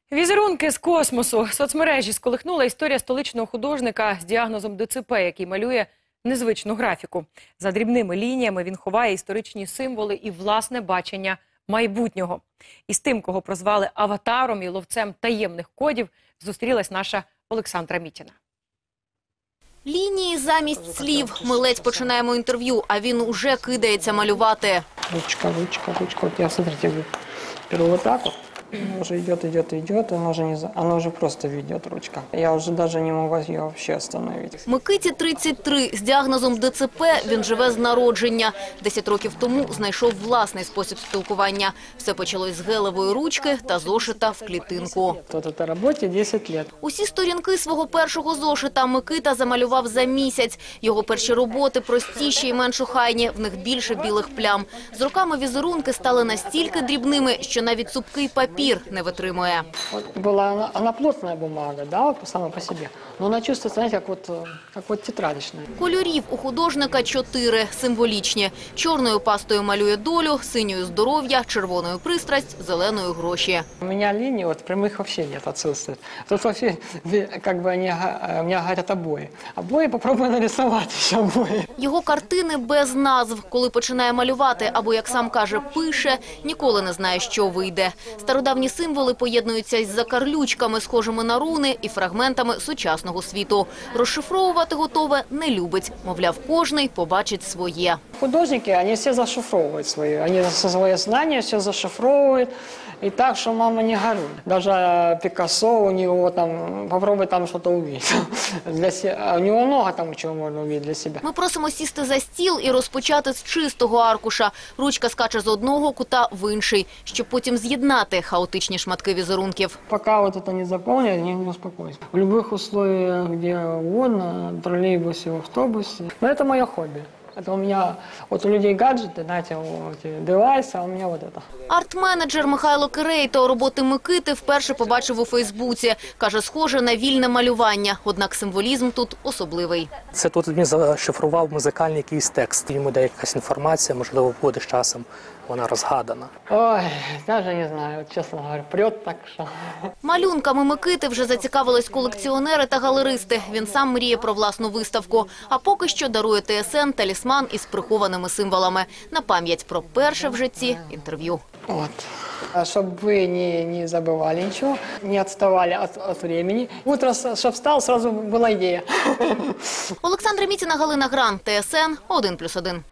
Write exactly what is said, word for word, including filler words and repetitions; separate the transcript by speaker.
Speaker 1: Візерунки з космосу. Соцмережі сколихнула історія столичного художника з діагнозом Д Ц П, який малює незвичну графіку. За дрібними лініями він ховає історичні символи і власне бачення майбутнього. І з тим, кого прозвали аватаром і ловцем таємних кодів, зустрілась наша Олександра Мітіна.
Speaker 2: Лінії замість слів. Ми ледь починаємо інтерв'ю, а він уже кидається малювати.
Speaker 3: Ручка, ручка, ручка. Вот я, смотрите, беру вот так вот. Она уже идет, идет, идет, она уже, не, она уже просто ведет ручка. Я уже даже не могу ее вообще остановить.
Speaker 2: Микиті тридцять три. З діагнозом Д Ц П він живе з народження. Десять років тому знайшов власний спосіб спілкування. Все почалось з гелевої ручки та зошита в клітинку.
Speaker 3: Тут этой роботі десять лет.
Speaker 2: Усі сторінки свого першого зошита Микита замалював за місяць. Його перші роботи простіші і менш охайні, в них більше білих плям. З роками візерунки стали настільки дрібними, що навіть цупкий папір не витримує.
Speaker 3: Вот была она, она плотная бумага, да, вот сама по себе. Но она чувствуется, знаете, как вот, как вот тетрадочная.
Speaker 2: Кольорів у художника чотири, символічні. Чорною пастою малює долю, синьою – здоров'я, червоною – пристрасть, зеленою – гроші.
Speaker 3: У меня линий вот прямых вообще нет, отсутствует. Тут вообще, как бы, они, у меня говорят обои. Обои попробуй нарисовать еще обои.
Speaker 2: Його картини без назв. Коли починає малювати або, як сам каже, пише, ніколи не знає, що вийде. Стародавні символи поєднуються із закарлючками, схожими на руни, і фрагментами сучасного світу. Розшифровувати готове не любить. Мовляв, кожний побачить своє.
Speaker 3: Художники, они все зашифровывают свои, они свои знания все зашифровывают. И так, что мама не горюй. Даже Пикассо, у него там, попробуй там что-то увидеть. Для себя, у него много там чего можно увидеть для себя.
Speaker 2: Ми просимо сісти за стіл і розпочати з чистого аркуша. Ручка скаче з одного кута в інший, щоб потім з'єднати хаотичні шматки візерунків.
Speaker 3: Пока вот это не заполнят, я не успокоюсь. В любых условиях, где угодно, в троллейбусе, в автобусе. Но это мое хобби. Это у меня, вот у людей гаджеты, знаете, вот эти девайсы, а у меня вот это.
Speaker 2: Арт-менеджер Михайло Кирейто роботи Микити вперше побачив у Фейсбуці. Каже, схоже на вільне малювання, однак символізм тут особливий.
Speaker 4: Це тут він зашифрував музикальний якийсь текст. Йому дає якась інформація, можливо, буде з часом вона розгадана.
Speaker 3: Ой, даже не знаю, вот, честно говоря, прет так, что...
Speaker 2: Малюнками Микити вже зацікавились колекціонери та галеристи. Він сам мріє про власну виставку. А поки що дарує Т С Н талісман із прихованими символами. На пам'ять про перше в житті інтерв'ю.
Speaker 3: Вот. Чтобы вы не, не забывали ничего, не отставали от, от времени. Утро, чтобы встал, сразу была идея.
Speaker 2: Олександра Мітіна, Галина Гран, Т С Н один плюс один.